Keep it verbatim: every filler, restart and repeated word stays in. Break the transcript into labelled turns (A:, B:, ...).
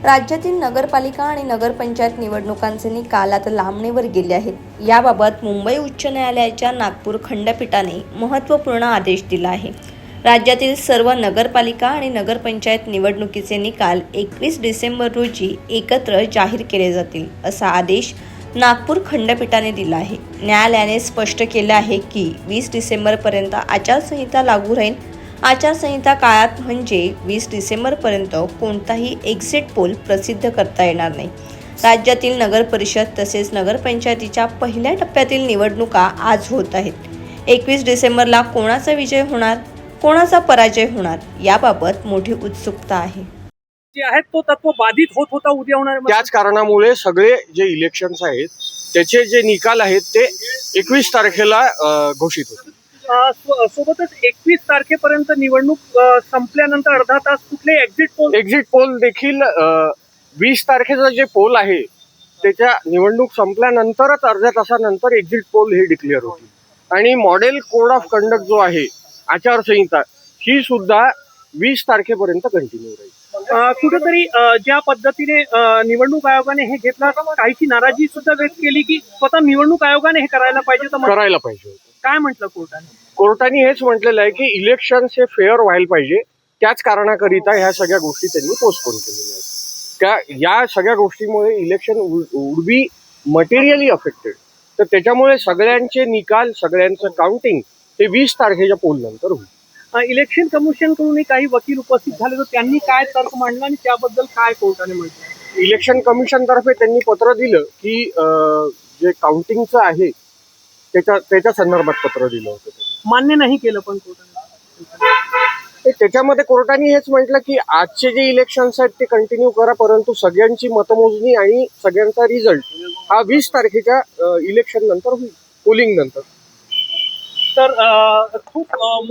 A: राज्यातील नगरपालिका आणि नगरपंचायत निवडणुकांचे निकाल आता लांबणीवर गेले आहेत. याबाबत मुंबई उच्च न्यायालयाच्या नागपूर खंडपीठाने महत्त्वपूर्ण आदेश दिला आहे. राज्यातील सर्व नगरपालिका आणि नगरपंचायत निवडणुकीचे निकाल एकवीस डिसेंबर रोजी एकत्र जाहीर केले जातील, असा आदेश नागपूर खंडपीठाने दिला आहे. न्यायालयाने स्पष्ट केले आहे की वीस डिसेंबरपर्यंत आचारसंहिता लागू राहील. आचारसंहिता काळात म्हणजे वीस डिसेंबरपर्यंत कोणताही एक्झिट पोल प्रसिद्ध करता येणार नाही. राज्यातील नगरपरिषद तसेच नगरपंचायतीच्या पहिल्या टप्प्यातील निवडणुका आज होत आहेत. एकवीस डिसेंबरला कोणाचा विजय होणार, कोणाचा पराजय होणार याबाबत मोठी उत्सुकता आहे.
B: जे आहेत तो तत्व बाधित होत होता उद्या होणार.
C: त्याच कारणामुळे सगळे जे इलेक्शन्स आहेत त्याचे जे निकाल आहेत ते एकवीस तारखेला अ, घोषित होतील.
B: अ, सो- सोबतच एकवीस तारखेपर्यंत निवडणूक अ, संपल्यानंतर अर्धा तास कुठले एक्झिट पोल
C: एक्झिट पोल देखील वीस तारखेचा जे पोल आहे त्याच्या निवडणूक संपल्यानंतरच अर्ध्या तासानंतर एक्झिट पोल हे डिक्लेअर होतील. आणि मॉडेल कोड ऑफ कंडक्ट जो आहे आचारसंहिता ही सुद्धा वीस तारखेपर्यंत कंटिन्यू राहील.
B: अ, कुठेतरी अ, ज्या पद्धतीने अ, निवडणूक आयोगाने हे घेतला काहीची नाराजी सुद्धा व्यक्त केली की स्वतः निवडणूक आयोगाने हे करायला पाहिजे. तर मग
C: करायला पाहिजे होतं.
B: काय म्हटलं कोर्टाने?
C: कोर्टाने हेच म्हटलेलं आहे की इलेक्शन्स हे फेअर व्हायला पाहिजे. त्याच कारणाकरिता ह्या सगळ्या गोष्टी त्यांनी पोस्टपोन केलेल्या आहेत. त्या या सगळ्या गोष्टीमुळे election would be materially affected. तर त्याच्यामुळे सगळ्यांचे निकाल सगळ्यांचं काउंटिंग हे वीस तारखेच्या पोल नंतर होईल.
B: अ, इलेक्शन कमिशन कडून काही वकील उपस्थित झाले तर त्यांनी काय तर्क मांडला आणि त्याबद्दल काय कोर्टाने म्हटलं?
C: इलेक्शन कमिशन तर्फे त्यांनी पत्र दिलं की अं, जे काउंटिंगचं आहे त्याच्या त्याच्या संदर्भात पत्र दिलं होतं त्यांनी.
B: मान्य नाही केलं पण कोर्टाने.
C: ते त्याच्यामध्ये कोर्टाने हेच म्हटलं की आजचे जे इलेक्शन्स आहेत ते कंटिन्यू करा, परंतु सगळ्यांची मतमोजणी आणि सगळ्यांचा रिझल्ट हा वीस तारखेच्या इलेक्शन नंतर होईल, पोलिंग नंतर.
B: तर अ, खूप अ,